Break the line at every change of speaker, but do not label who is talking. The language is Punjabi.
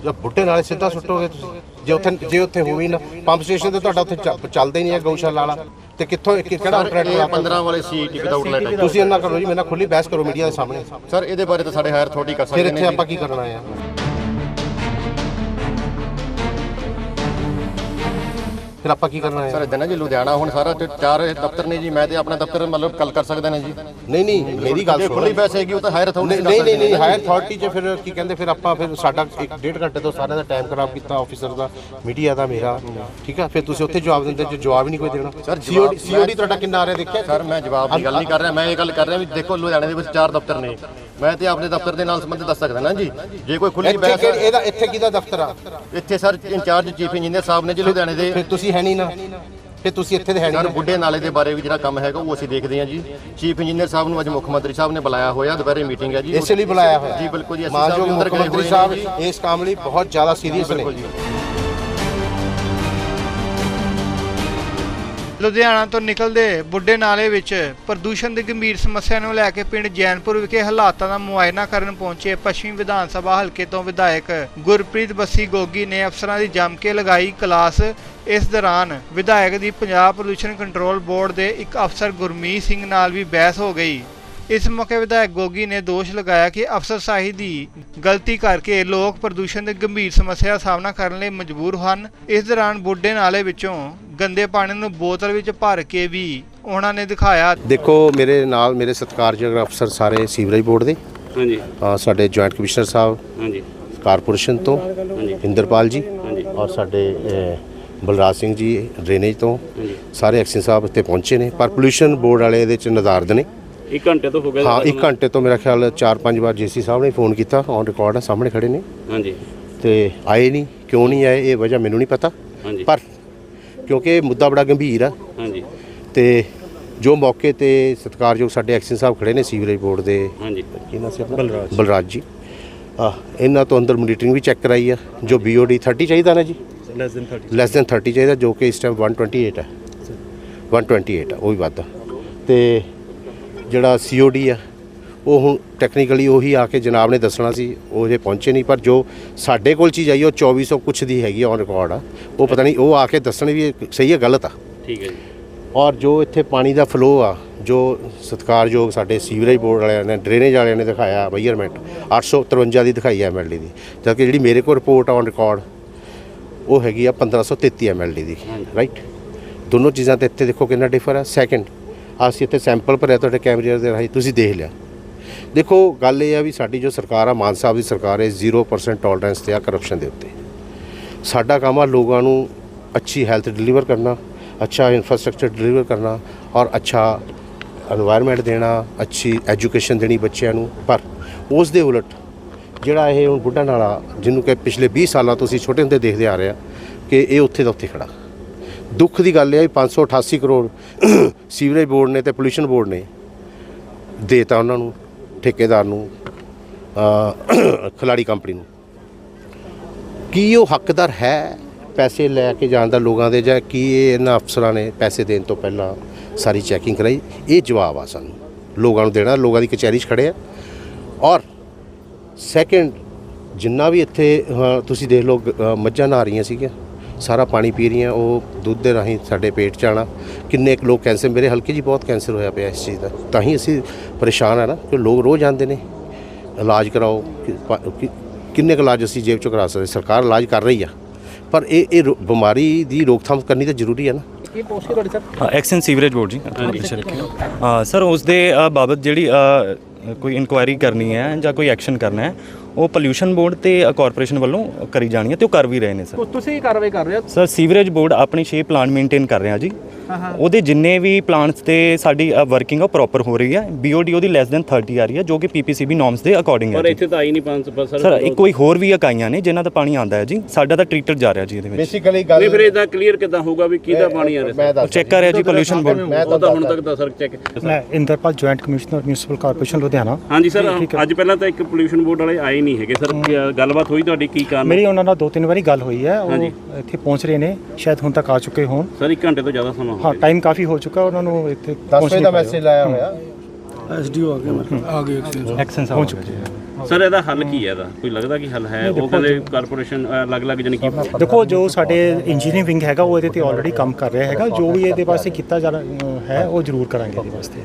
ਬੁੱਢੇ ਨਾਲੇ ਸਿੱਧਾ ਸੁੱਟੋਗੇ ਤੁਸੀਂ ਜੇ ਉੱਥੇ ਹੋਵੇ ਨਾ ਪੰਪ ਸਟੇਸ਼ਨ ਤੇ ਤੁਹਾਡਾ ਉੱਥੇ ਚੱਲਦਾ ਹੀ ਨਹੀਂ ਹੈ ਗਊਸ਼ਾਲਾ ਵਾਲਾ ਤੇ ਕਿੱਥੋਂ ਕਿਹੜਾ ਆਪਰੇਟਰ
15 ਵਾਲੇ ਸੀਟੀ ਵਿਦਆਊਟ ਲਾਈਟ ਹੈ।
ਤੁਸੀਂ ਇੰਨਾ ਕਰੋ ਜੀ ਮੇਰੇ ਨਾਲ ਖੁੱਲੀ ਬਹਿਸ ਕਰੋ ਮੀਡੀਆ ਦੇ ਸਾਹਮਣੇ
ਸਰ ਇਹਦੇ ਬਾਰੇ ਤਾਂ ਸਾਡੇ ਹਾਇਰ ਅਥਾਰਟੀ ਕਰ ਸਕਦੇ
ਫਿਰ
ਨੇ।
ਇੱਥੇ ਆਪਾਂ ਕੀ ਕਰਨਾ ਹੈ? ਫਿਰ ਆਪਾਂ ਕੀ ਕਰਨਾ ਹੈ
ਸਰ ਇਦਾਂ ਨਾ ਜੀ ਲੁਧਿਆਣਾ ਹੁਣ ਸਾਰਾ 4 ਦਫ਼ਤਰ ਨੇ ਜੀ। ਮੈਂ ਤੇ ਆਪਣਾ ਦਫ਼ਤਰ ਮਤਲਬ ਕੱਲ ਕਰ ਸਕਦੇ ਨੇ ਜੀ।
ਨਹੀਂ ਮੇਰੀ ਗੱਲ ਸੁਣੋ।
ਖੁੱਲੀ ਬਹਿਸ ਹੈਗੀ ਉਹ ਤਾਂ ਹਾਇਰ ਅਥਾਰਟੀ
ਨਹੀਂ ਹਾਇਰ ਅਥਾਰਟੀ 'ਚ ਫਿਰ ਕੀ ਕਹਿੰਦੇ ਫਿਰ ਆਪਾਂ ਫਿਰ ਸਾਡਾ 1.5 ਘੰਟੇ ਤੋਂ ਸਾਰਿਆਂ ਦਾ ਟਾਈਮ ਖਰਾਬ ਕੀਤਾ ਆਫੀਸਰ ਦਾ ਮੀਡੀਆ ਦਾ ਮੇਰਾ ਠੀਕ ਆ। ਫਿਰ ਤੁਸੀਂ ਉੱਥੇ ਜਵਾਬ ਦਿੰਦੇ ਜੇ ਜਵਾਬ ਹੀ ਨਹੀਂ ਕੋਈ ਦੇਣਾ।
ਸਰ
ਸੀਓਡੀ ਤੁਹਾਡਾ ਕਿੰਨਾ ਆ ਰਿਹਾ ਦੇਖਿਆ
ਸਰ? ਮੈਂ ਜਵਾਬ ਦੀ ਗੱਲ ਨਹੀਂ ਕਰ ਰਿਹਾ, ਮੈਂ ਇਹ ਗੱਲ ਕਰ ਰਿਹਾ ਵੀ ਦੇਖੋ ਲੁਧਿਆਣੇ ਦੇ ਵਿੱਚ 4 ਦਫ਼ਤਰ ਨੇ। ਮੈਂ ਤੇ ਆਪਣੇ ਦਫ਼ਤਰ ਦੇ ਨਾਲ ਸੰਬੰਧਿਤ ਦੱਸ ਸਕਦਾ ਨਾ ਜੀ। ਜੇ ਕੋਈ ਖੁੱਲੀ ਬਹਿਸ
ਇਹਦਾ ਇੱਥੇ ਕਿਹਦਾ ਦਫ਼ਤਰ ਆ?
ਇੱਥੇ ਸਰ ਇੰਚਾਰਜ ਚੀਫ ਇੰਜੀਨੀਅਰ ਸਾਹਿਬ ਨੇ ਜੀ ਲੁਧਿਆਣੇ ਦੇ।
ਫਿਰ ਤੁਸੀਂ ਹੈ ਨਹੀਂ ਨਾ, ਫਿਰ ਤੁਸੀਂ ਇੱਥੇ ਦੇ ਹੈ
ਸਰ
ਨਹੀਂ।
ਬੁੱਢੇ ਨਾਲੇ ਦੇ ਬਾਰੇ ਵੀ ਜਿਹੜਾ ਕੰਮ ਹੈਗਾ ਉਹ ਅਸੀਂ ਦੇਖਦੇ ਹਾਂ ਜੀ। ਚੀਫ ਇੰਜੀਨੀਅਰ ਸਾਹਿਬ ਨੂੰ ਅੱਜ ਮੁੱਖ ਮੰਤਰੀ ਸਾਹਿਬ ਨੇ ਬੁਲਾਇਆ ਹੋਇਆ, ਦੁਪਹਿਰੇ ਮੀਟਿੰਗ ਹੈ ਜੀ।
ਇਸੇ ਲਈ ਬੁਲਾਇਆ ਹੋਇਆ
ਜੀ ਬਿਲਕੁਲ ਜੀ।
ਮਾਨਯੋਗ ਮੁੱਖ ਮੰਤਰੀ ਸਾਹਿਬ ਇਸ ਕੰਮ ਲਈ ਬਹੁਤ ਜ਼ਿਆਦਾ ਸੀਰੀਅਸ ਨੇ।
ਲੁਧਿਆਣਾ ਤੋਂ ਨਿਕਲਦੇ ਬੁੱਢੇ ਨਾਲੇ ਵਿੱਚ ਪ੍ਰਦੂਸ਼ਣ ਦੀ ਗੰਭੀਰ ਸਮੱਸਿਆ ਨੂੰ ਲੈ ਕੇ ਪਿੰਡ ਜੈਨਪੁਰ ਵਿਖੇ ਹਾਲਾਤਾਂ ਦਾ ਮੁਆਇਨਾ ਕਰਨ ਪਹੁੰਚੇ ਪੱਛਮੀ ਵਿਧਾਨ ਸਭਾ ਹਲਕੇ ਤੋਂ ਵਿਧਾਇਕ ਗੁਰਪ੍ਰੀਤ ਬੱਸੀ ਗੋਗੀ ਨੇ ਅਫਸਰਾਂ ਦੀ ਜੰਮ ਕੇ ਲਗਾਈ ਕਲਾਸ। ਇਸ ਦੌਰਾਨ ਵਿਧਾਇਕ ਦੀ ਪੰਜਾਬ ਪ੍ਰਦੂਸ਼ਣ ਕੰਟਰੋਲ ਬੋਰਡ ਦੇ ਇੱਕ ਅਫਸਰ ਗੁਰਮੀਤ ਸਿੰਘ ਨਾਲ ਵੀ ਬਹਿਸ ਹੋ ਗਈ। ਇਸ ਮੌਕੇ ਵਿਧਾਇਕ ਗੋਗੀ ਨੇ ਦੋਸ਼ ਲਗਾਇਆ ਕਿ ਅਫਸਰਸ਼ਾਹੀ ਦੀ ਗਲਤੀ ਕਰਕੇ ਲੋਕ ਪ੍ਰਦੂਸ਼ਣ ਦੀ ਗੰਭੀਰ ਸਮੱਸਿਆ ਦਾ ਸਾਹਮਣਾ ਕਰਨ ਲਈ ਮਜਬੂਰ ਹਨ। ਇਸ ਦੌਰਾਨ ਬੁੱਢੇ ਨਾਲੇ ਵਿੱਚੋਂ ਗੰਦੇ ਪਾਣੀ ਨੂੰ ਬੋਤਲ ਵਿੱਚ ਭਰ ਕੇ ਵੀ ਉਹਨਾਂ ਨੇ ਦਿਖਾਇਆ।
ਦੇਖੋ ਮੇਰੇ ਨਾਲ ਮੇਰੇ ਸਤਿਕਾਰਯੋਗ ਅਫਸਰ ਸਾਰੇ ਸੀਵਰੇਜ ਬੋਰਡ ਦੇ
ਹਾਂਜੀ
ਸਾਡੇ ਜੁਆਇੰਟ ਕਮਿਸ਼ਨਰ ਸਾਹਿਬ
ਹਾਂਜੀ
ਕਾਰਪੋਰੇਸ਼ਨ ਤੋਂ ਇੰਦਰਪਾਲ ਜੀ ਔਰ ਸਾਡੇ ਬਲਰਾਜ ਸਿੰਘ ਜੀ ਡਰੇਨੇਜ ਤੋਂ ਸਾਰੇ ਐਕਸ਼ਨ ਸਾਹਿਬ ਇੱਥੇ ਪਹੁੰਚੇ ਨੇ। ਪਰ ਪੋਲਿਊਸ਼ਨ ਬੋਰਡ ਵਾਲੇ ਇਹਦੇ ਚ ਨਜ਼ਾਰਦ ਨੇ।
1 ਘੰਟੇ ਤੋਂ ਹੋ ਗਿਆ।
ਹਾਂ 1 ਘੰਟੇ ਤੋਂ ਮੇਰਾ ਖਿਆਲ 4-5 ਵਾਰ ਜੀਸੀ ਸਾਹਿਬ ਨੇ ਫੋਨ ਕੀਤਾ, ਔਨ ਰਿਕਾਰਡ ਆ, ਸਾਹਮਣੇ ਖੜੇ ਨੇ।
ਹਾਂਜੀ
ਤੇ ਆਏ ਨਹੀਂ, ਕਿਉਂ ਨਹੀਂ ਆਏ ਇਹ ਵਜ੍ਹਾ ਮੈਨੂੰ ਨਹੀਂ ਪਤਾ।
ਹਾਂਜੀ
ਪਰ ਕਿਉਂਕਿ ਇਹ ਮੁੱਦਾ ਬੜਾ ਗੰਭੀਰ ਆ
ਹਾਂਜੀ
ਤੇ ਜੋ ਮੌਕੇ ਤੇ ਸਤਿਕਾਰਯੋਗ ਸਾਡੇ ਐਕਸ਼ਨ ਸਾਹਿਬ ਖੜੇ ਨੇ ਸੀਵਰੇਜ ਬੋਰਡ ਦੇ
ਹਾਂਜੀ
ਕੀ ਨਾਮ ਸੀ ਆਪਣਾ? ਬਲਰਾਜ ਜੀ। ਇਹਨਾਂ ਤੋਂ ਅੰਦਰ ਮੋਨੀਟਰਿੰਗ ਵੀ ਚੈੱਕ ਕਰਾਈ ਆ। ਜੋ BOD 30 ਚਾਹੀਦਾ ਨਾ ਜੀ, ਲੈਸ ਦੈਨ 30 ਚਾਹੀਦਾ, ਜੋ ਕਿ ਇਸ ਟਾਈਮ 128 ਹੈ 128 ਆ, ਉਹ ਵੀ ਵੱਧ। ਤੇ ਜਿਹੜਾ COD ਆ ਉਹ ਹੁਣ ਟੈਕਨੀਕਲੀ ਉਹੀ ਆ ਕੇ ਜਨਾਬ ਨੇ ਦੱਸਣਾ ਸੀ, ਉਹ ਜੇ ਪਹੁੰਚੇ ਨਹੀਂ। ਪਰ ਜੋ ਸਾਡੇ ਕੋਲ ਚੀਜ਼ ਆਈ ਉਹ 2400 ਕੁਛ ਦੀ ਹੈਗੀ ਔਨ ਰਿਕਾਰਡ ਆ। ਉਹ ਪਤਾ ਨਹੀਂ ਉਹ ਆ ਕੇ ਦੱਸਣ ਵੀ ਸਹੀ ਹੈ ਗਲਤ ਆ।
ਠੀਕ ਹੈ ਜੀ।
ਔਰ ਜੋ ਇੱਥੇ ਪਾਣੀ ਦਾ ਫਲੋ ਆ, ਜੋ ਸਤਿਕਾਰਯੋਗ ਸਾਡੇ ਸੀਵਰੇਜ ਬੋਰਡ ਵਾਲਿਆਂ ਨੇ ਡਰੇਨੇਜ ਵਾਲਿਆਂ ਨੇ ਦਿਖਾਇਆ ਮੈਜ਼ਰਮੈਂਟ 853 ਦੀ ਦਿਖਾਈ ਹੈ MLD ਦੀ, ਜਦਕਿ ਜਿਹੜੀ ਮੇਰੇ ਕੋਲ ਰਿਪੋਰਟ ਔਨ ਰਿਕਾਰਡ ਉਹ ਹੈਗੀ ਆ 1533 MLD ਦੀ। ਰਾਈਟ, ਦੋਨੋਂ ਚੀਜ਼ਾਂ ਤੇ ਇੱਥੇ ਦੇਖੋ ਕਿੰਨਾ ਡਿਫਰ ਆ। ਸੈਕਿੰਡ, ਅਸੀਂ ਇੱਥੇ ਸੈਂਪਲ ਭਰਿਆ ਤੁਹਾਡੇ ਕੈਮਰੇ ਦੇ ਰਾਹੀਂ, ਤੁਸੀਂ ਦੇਖ ਲਿਆ। ਦੇਖੋ ਗੱਲ ਇਹ ਆ ਵੀ ਸਾਡੀ ਜੋ ਸਰਕਾਰ ਆ, ਮਾਨ ਸਾਹਿਬ ਦੀ ਸਰਕਾਰ ਹੈ, 0% ਟੋਲਰੈਂਸ ਤੇ ਆ ਕਰਪਸ਼ਨ ਦੇ ਉੱਤੇ। ਸਾਡਾ ਕੰਮ ਆ ਲੋਕਾਂ ਨੂੰ ਅੱਛੀ ਹੈਲਥ ਡਿਲੀਵਰ ਕਰਨਾ, ਅੱਛਾ ਇਨਫਰਾਸਟ੍ਰਕਚਰ ਡਿਲੀਵਰ ਕਰਨਾ ਔਰ ਅੱਛਾ এনवायरमेंट ਦੇਣਾ, ਅੱਛੀ ਐਜੂਕੇਸ਼ਨ ਦੇਣੀ ਬੱਚਿਆਂ ਨੂੰ। ਪਰ ਉਸ ਦੇ ਉਲਟ ਜਿਹੜਾ ਇਹ ਹੁਣ ਬੁੱਢਾ ਨਾਲਾ ਜਿਹਨੂੰ ਕਿ ਪਿਛਲੇ 20 ਸਾਲਾਂ ਤੋਂ ਅਸੀਂ ਛੋਟੇ ਹੁੰਦੇ ਦੇਖਦੇ ਆ ਰਹੇ ਆ ਕਿ ਇਹ ਉੱਥੇ ਦਾ ਉੱਥੇ ਖੜਾ। ਦੁੱਖ ਦੀ ਗੱਲ ਇਹ ਹੈ 588 ਕਰੋੜ ਸੀਵਰੇਜ ਬੋਰਡ ਨੇ ਤੇ ਪੋਲਿਊਸ਼ਨ ਬੋਰਡ ਨੇ ਦੇਤਾ ਉਹਨਾਂ ਨੂੰ, ਠੇਕੇਦਾਰ ਨੂੰ, ਖਿਲਾੜੀ ਕੰਪਨੀ ਨੂੰ। ਕੀ ਉਹ ਹੱਕਦਾਰ ਹੈ ਪੈਸੇ ਲੈ ਕੇ ਜਾਣ ਦਾ ਲੋਕਾਂ ਦੇ, ਜਾਂ ਕੀ ਇਹਨਾਂ ਅਫਸਰਾਂ ਨੇ ਪੈਸੇ ਦੇਣ ਤੋਂ ਪਹਿਲਾਂ ਸਾਰੀ ਚੈਕਿੰਗ ਕਰਾਈ? ਇਹ ਜਵਾਬ ਆ ਸਾਨੂੰ ਲੋਕਾਂ ਨੂੰ ਦੇਣਾ। ਲੋਕਾਂ ਦੀ ਕਚਹਿਰੀ 'ਚ ਖੜੇ ਆ। ਔਰ ਸੈਕਿੰਡ, ਜਿੰਨਾ ਵੀ ਇੱਥੇ ਤੁਸੀਂ ਦੇਖ ਲਓ ਮੱਝਾਂ ਨਹਾ ਰਹੀਆਂ ਸੀਗੀਆਂ, ਸਾਰਾ ਪਾਣੀ ਪੀ ਰਹੀਆਂ, ਉਹ ਦੁੱਧ ਦੇ ਰਾਹੀਂ ਸਾਡੇ ਪੇਟ 'ਚ ਆਉਣਾ। ਕਿੰਨੇ ਕੁ ਲੋਕ ਕੈਂਸਰ, ਮੇਰੇ ਹਲਕੇ 'ਚ ਬਹੁਤ ਕੈਂਸਰ ਹੋਇਆ ਪਿਆ ਇਸ ਚੀਜ਼ ਦਾ। ਤਾਂ ਹੀ ਅਸੀਂ ਪਰੇਸ਼ਾਨ ਆ ਨਾ ਕਿ ਲੋਕ ਰੋਜ਼ ਆਉਂਦੇ ਨੇ ਇਲਾਜ ਕਰਾਓ। ਕਿੰਨੇ ਕੁ ਇਲਾਜ ਅਸੀਂ ਜੇਬ 'ਚੋਂ ਕਰਾ ਸਕਦੇ? ਸਰਕਾਰ ਇਲਾਜ ਕਰ ਰਹੀ ਆ, ਪਰ ਇਹ ਬਿਮਾਰੀ ਦੀ ਰੋਕਥਾਮ ਕਰਨੀ ਤਾਂ ਜ਼ਰੂਰੀ ਹੈ ਨਾ।
ਕੀ ਪੋਸਟ ਤੁਹਾਡੀ ਸਰ? ਐਕਸ਼ਨ ਸੀਵਰੇਜ ਬੋਰਡ ਜੀ। ਸਰ ਉਸ ਦੇ ਬਾਬਤ ਜਿਹੜੀ ਕੋਈ ਇਨਕੁਆਇਰੀ ਕਰਨੀ ਹੈ ਜਾਂ ਕੋਈ ਐਕਸ਼ਨ ਕਰਨਾ ਹੈ, ਉਹ ਪੋਲਿਊਸ਼ਨ ਬੋਰਡ ਤੇ ਕਾਰਪੋਰੇਸ਼ਨ ਵੱਲੋਂ ਕਰੀ ਜਾਣੀ ਹੈ ਤੇ ਉਹ ਕਰ ਵੀ ਰਹੇ ਨੇ ਸਰ।
ਤੁਸੀਂ ਕਾਰਵਾਈ ਕਰ ਰਹੇ ਹੋ
ਸਰ? ਸੀਵਰੇਜ ਬੋਰਡ ਆਪਣੀ 6 ਪਲਾਂਟ ਮੇਨਟੇਨ ਕਰ ਰਿਹਾ ਜੀ। ਉਹਦੇ ਜਿੰਨੇ ਵੀ ਪਲਾਂਟਸ ਤੇ ਸਾਡੀ ਵਰਕਿੰਗ ਆ ਪ੍ਰੋਪਰ ਹੋ ਰਹੀ ਹੈ। BOD ਉਹਦੀ ਲੈਸ ਦੈਨ 30 ਆ ਰਹੀ ਹੈ, ਜੋ ਕਿ PPCB ਨੋਰਮਸ ਦੇ ਅਕੋਰਡਿੰਗ ਹੈ।
ਪਰ ਇੱਥੇ ਤਾਂ ਆਈ ਨਹੀਂ 500
ਸਰ। ਕੋਈ ਹੋਰ ਵੀ ਇਕਾਈਆਂ ਨੇ ਜਿਨ੍ਹਾਂ ਦਾ ਪਾਣੀ ਆਉਂਦਾ ਹੈ ਜੀ, ਸਾਡਾ ਤਾਂ ਟ੍ਰੀਟਡ ਜਾ ਰਿਹਾ ਜੀ ਇਹਦੇ ਵਿੱਚ।
ਬੇਸਿਕਲੀ ਗੱਲ
ਨਹੀਂ, ਫਿਰ ਇਹਦਾ ਕਲੀਅਰ ਕਿੱਦਾਂ ਹੋਊਗਾ ਵੀ ਕਿਹਦਾ ਪਾਣੀ ਆ ਰਿਹਾ?
ਚੈੱਕ ਕਰ ਰਿਹਾ ਜੀ ਪੋਲਿਊਸ਼ਨ ਬੋਰਡ।
ਉਹ ਤਾਂ ਹੁਣ ਤੱਕ ਦਾ ਸਰ ਚੈੱਕ।
ਮੈਂ Inderpal joint commissioner municipal corporation Ludhiana.
ਹਾਂਜੀ ਸਰ, ਅੱਜ ਪਹਿਲਾਂ ਤਾਂ ਇੱਕ ਪੋਲਿਊਸ਼ਨ ਬੋਰਡ ਵਾਲੇ ਆਏ ਨਹੀਂ ਹੈਗੇ ਸਰ। ਗੱਲਬਾਤ ਹੋਈ ਤੁਹਾਡੀ, ਕੀ ਕਾਰਨ?
ਮੇਰੀ ਉਹਨਾਂ ਨਾਲ 2-3 ਵਾਰੀ ਗੱਲ ਹੋਈ ਹੈ, ਉਹ ਇੱਥੇ ਪਹੁੰਚ ਰਹੇ ਨੇ, ਸ਼ਾਇਦ ਹੁਣ ਤੱਕ ਆ ਚੁੱਕੇ ਹੋਣ।
ਸਰ 1 ਘੰਟੇ ਤੋਂ ਜ਼ਿਆਦਾ ਸਮਾਂ ਹੋ
ਹਾਂ,
ਗਿਆ।
ਟਾਈਮ ਕਾਫੀ ਹੋ ਚੁੱਕਾ ਉਹਨਾਂ ਨੂੰ ਇੱਥੇ
10 ਵਜੇ ਦਾ ਮੈਸੇਜ ਲਾਇਆ ਹੋਇਆ।
ਐਸਡੀਓ ਆ ਗਏ
ਐਕਸ਼ਨ ਸਾਹਿਬ ਪਹੁੰਚ ਚੁੱਕੇ
ਸਰ ਇਹਦਾ ਹੱਲ ਕੀ ਹੈ? ਇਹਦਾ ਕੋਈ ਲੱਗਦਾ ਕਿ ਹੱਲ ਹੈ? ਉਹ ਕਹਿੰਦੇ ਕਾਰਪੋਰੇਸ਼ਨ ਅਲੱਗ-ਅਲੱਗ ਜਾਨੀ ਕਿ
ਦੇਖੋ ਜੋ ਸਾਡੇ ਇੰਜੀਨੀਅਰਿੰਗ ਵਿੰਗ ਹੈਗਾ ਉਹ ਇਹਦੇ ਤੇ ਆਲਰੇਡੀ ਕੰਮ ਕਰ ਰਿਹਾ ਹੈਗਾ, ਜੋ ਵੀ ਇਹਦੇ ਵਾਸਤੇ ਕੀਤਾ ਜਾਣਾ ਹੈ ਉਹ ਜ਼ਰੂਰ ਕਰਾਂਗੇ ਇਹਦੇ ਵਾਸਤੇ।